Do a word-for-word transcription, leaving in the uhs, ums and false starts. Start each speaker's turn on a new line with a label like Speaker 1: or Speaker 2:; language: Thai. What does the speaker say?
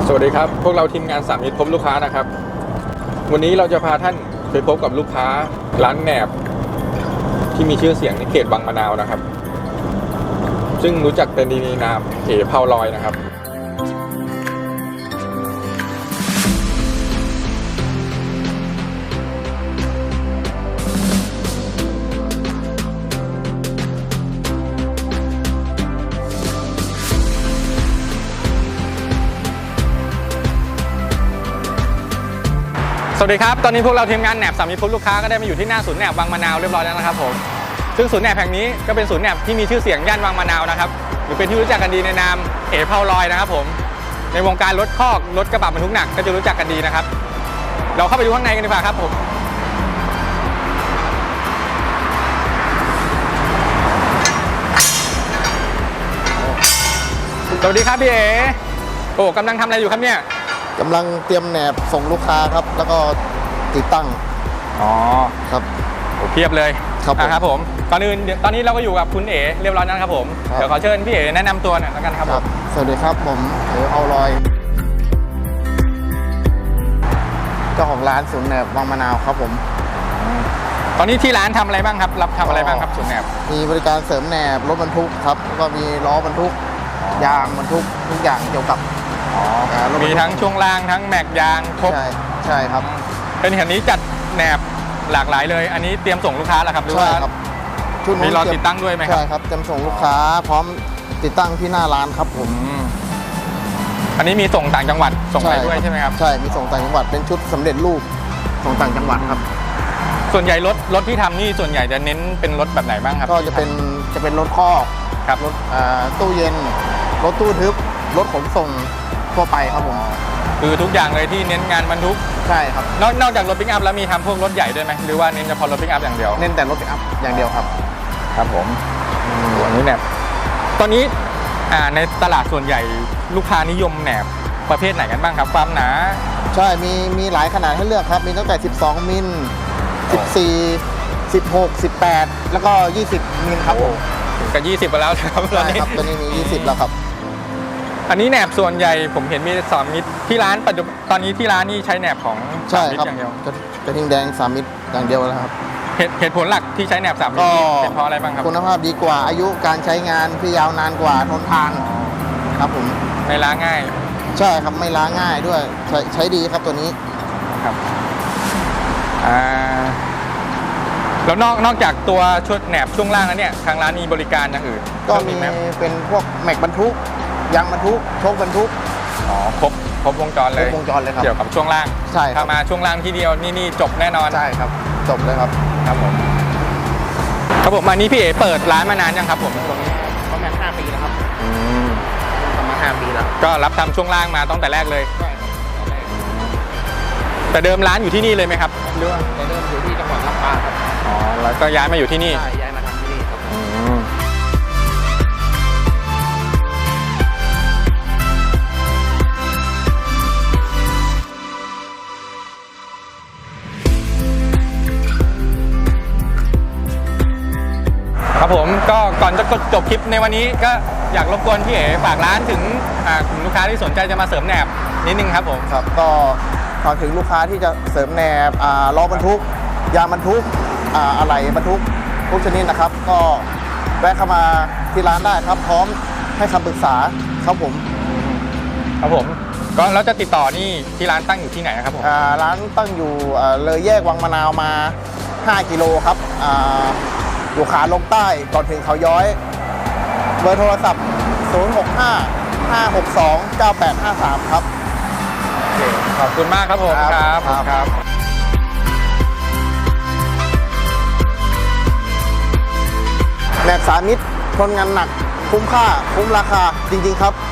Speaker 1: สวัสดีครับพวกเราทีมงานสามมิตรพบลูกค้านะครับวันนี้เราจะพาท่านไปพบกับลูกค้าร้านแหนบที่มีชื่อเสียงในเขตบางมะนาวนะครับซึ่งรู้จักเป็นดีในนามเอ๋เผาลอยนะครับสวัสดีครับตอนนี้พวกเราทีมงานแหนบสามมิตรพบลูกค้าก็ได้มาอยู่ที่หน้าศูนย์แหนบบางมะนาวเรียบร้อยแล้วนะครับผมซึ่งศูนย์แหนบแห่งนี้ก็เป็นศูนย์แหนบที่มีชื่อเสียงย่านบางมะนาวนะครับหรือเป็นที่รู้จักกันดีในนามเอ๋เผาลอยนะครับผมในวงการรถคอกรถกระบะบรรทุกหนักก็จะรู้จักกันดีนะครับเราเข้าไปดูข้างในกันดีกว่าครับผมสวัสดีครับพี่เอ๋โอ้กำลังทำอะไรอยู่ครับเนี่ย
Speaker 2: กำลังเตรียมแหนบส่งลูกค้าครับแล้วก็ติดตั้ง
Speaker 1: อ๋อ
Speaker 2: ครับ
Speaker 1: โอ้เพียบเลย
Speaker 2: ครับผม
Speaker 1: ครับผมก่อนอื่นตอนนี้เราก็อยู่กับคุณเอ๋เรียบร้อยแล้วนะครับผมเดี๋ยวขอเชิญพี่เอ๋แนะนำตัวหน่อยแล้วกันครับผม
Speaker 2: สวัสดีครับผมเอ๋เผาลอยเจ้าของร้านศูนย์แหนบบางมะนาวครับผม
Speaker 1: ตอนนี้ที่ร้านทำอะไรบ้างครับรับทำอะไรบ้างครับศูนย์แหนบ
Speaker 2: มีบริการเสริมแหนบรถบรรทุกครับแล้วก็มีล้อบรรทุกยางบรรทุกทุกอย่างเกี่ยวกับ
Speaker 1: มีทั้งช่วงล่างทั้งแม็กยางครบ
Speaker 2: ใช่ใช่ครับ
Speaker 1: เป็นแห่งนี้จัดแหนบหลากหลายเลยอันนี้เตรียมส่งลูกค้าแล้วครับหรือว่ามีรอติดตั้งด้วยไหมครับ
Speaker 2: ใช่ครับเตรียมส่งลูกค้าพร้อมติดตั้งที่หน้าร้านครับผม
Speaker 1: อันนี้มีส่งต่างจังหวัดส่งไปด้วยใช่ไหมครับ
Speaker 2: ใช่มีส่งต่างจังหวัดเป็นชุดสำเร็จรูปส่งต่างจังหวัดครับ
Speaker 1: ส่วนใหญ่รถรถที่ทำนี่ส่วนใหญ่จะเน้นเป็นรถแบบไหนบ้างครับ
Speaker 2: ก็จะเป็นจะเป็นรถคอก
Speaker 1: ครับ
Speaker 2: รถตู้เย็นรถตู้ทึบรถขนส่งทั่วไปครับผม
Speaker 1: คือทุกอย่างเลยที่เน้นงานบรรทุก
Speaker 2: ใช่ครับ
Speaker 1: นอกนอกจากรถปิกอัพแล้วมีทำพวกรถใหญ่ด้วยไหมหรือว่าเน้นเฉพาะรถปิกอัพอย่างเดียว
Speaker 2: เน้นแต่รถปิกอัพอย่างเดียวครับ
Speaker 1: ครับผมอันนี้แหนบตอนนี้ในตลาดส่วนใหญ่ลูกค้านิยมแหนบประเภทไหนกันบ้างครับความหนา
Speaker 2: ใช่มีมีหลายขนาดให้เลือกครับมีตั้งแต่สิบสองมิลสิบสี่ สิบหก สิบแปดแล้วก็ยี่สิบมิลครับผม
Speaker 1: ถึงกับยี่สิบไปแล้วครับ
Speaker 2: ใช่ครับตอนนี้มียี่สิบแล้วครับ
Speaker 1: อันนี้แหนบส่วนใหญ่ผมเห็นมีสามมิตรที่ร้านปัจจุบันตอนนี้ที่ร้านนี่ใช้แหนบของสามมิตรอย่างเดียว
Speaker 2: กระทิงแดงสามมิตรอย่างเดียวแล้วครับ
Speaker 1: เหตุผลหลักที่ใช้แหนบสามมิตรเป็นเพราะอะไรบ้างครับ
Speaker 2: คุณภาพดีกว่าอายุการใช้งานที่ยาวนานกว่าทนทานครับผม
Speaker 1: ไม่ล้าง่าย
Speaker 2: ใช่ครับไม่ล้าง่ายด้วยใช้ใช้ดีครับตัวนี้
Speaker 1: ครับอ่าแล้วนอกนอกจากตัวชุดแหนบช่วงล่างแล้วเนี่ยทางร้านมีบริการอย่างอื่น
Speaker 2: ก็มีเป็นพวกแม็กบรรทุกยางบรรทุกโชคบรรทุก
Speaker 1: อ๋อครบครบวงจรเลย
Speaker 2: ครบวงจรเลยครับ
Speaker 1: เกี่ยวกับช่วงล่าง
Speaker 2: ใช่
Speaker 1: ถ้ามาช่วงล่างที่เดียวนี่นี่จบแน่นอน
Speaker 2: ใช่ครับจบเลยครับ
Speaker 1: ครับผมครับผมอันนี้พี่เอ๋เปิดร้านมานานยังครับผมตรงนี้
Speaker 2: ประมาณห้าปีแล้วครับอืมประมาณห้าปีแล้ว
Speaker 1: ก็รับทำช่วงล่างมาตั้งแต่แรกเลยใช่ครับแต่เดิมร้านอยู่ที่นี่เลยไหมครับ
Speaker 2: หรือว่าแต่เดิมอยู่ที่จังหวัดลำปางครับ
Speaker 1: อ๋อแล้วก็ย้ายมาอยู่ที่นี่
Speaker 2: ใช่ย้ายมาทำที่นี่ครับ
Speaker 1: ครับผมก็ก่อนจะจบคลิปในวันนี้ก็อยากรบกวนพี่เอ๋ฝากร้านถึงกลุ่มลูกค้าที่สนใจจะมาเสริมแหนบนิดนึงครับผม
Speaker 2: ครับก็ฝากถึงลูกค้าที่จะเสริมแหนบล้อบรรทุกยางบรรทุกอะไหล่บรรทุกทุกชนิดนะครับก็แวะเข้ามาที่ร้านได้ครับพร้อมให้คำปรึกษาครับผม
Speaker 1: ครับผมก็แล้วจะติดต่อนี่ที่ร้านตั้งอยู่ที่ไหนครับผม
Speaker 2: ร้านตั้งอยู่เลยแยกวังมะนาวมาห้ากิโลครับอยู่ขาลงใต้ก่อนถึงเขาย้อยเบอร์โทรศัพท์ศูนย์ หก ห้า ห้า หก สอง เก้า แปด ห้า สามครับ
Speaker 1: โอเคขอบคุณมากครับผมครับครับ
Speaker 2: แหนบสามมิตรทนงานหนักคุ้มค่าคุ้มราคาจริงๆครับ